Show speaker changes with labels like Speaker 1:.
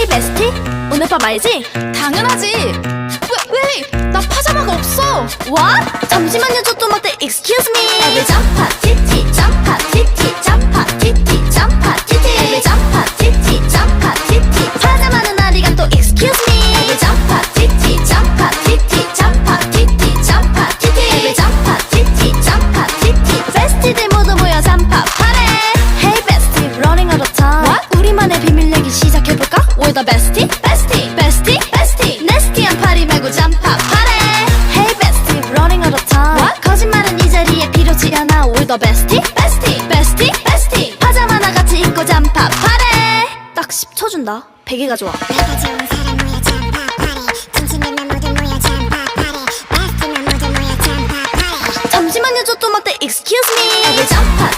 Speaker 1: Hey bestie, 오늘 밤 알지?
Speaker 2: 당연하지. 왜? 나 파자마가 없어.
Speaker 1: What? 잠시만요, 저 또 막대 Excuse me. Every jump up, titty, jump up, titty, jump up, titty, jump up, titty. Every jump up, titty, jump up, titty. 파자마는 아리가 또 Excuse me. Every jump up, titty, jump up, titty, jump up, titty, jump up, titty. Every jump up, titty, jump up, titty. 베스티들 모두 모여 잠파 파래. Hey bestie, running out of time. What? 우리만의 비밀 얘기 시작해볼까? We're the bestie, bestie, bestie, bestie. 네스티한 파리 말고 잠파 파래. Hey bestie, running out of time. What? 거짓말은 이 자리에 필요치 않아. We're the bestie, bestie, bestie, bestie. 파자마나 같이 입고 잠파 파래. 딱 10초 준다. 베개가 좋아.
Speaker 3: 내가 좋은 사람 모여 잠파 파리 진심이면 모두 모여 잠파 파리 베스트면 모두 모여 잠파 파리
Speaker 1: 잠시만요, 저 또 막대 Excuse me. Every jump up,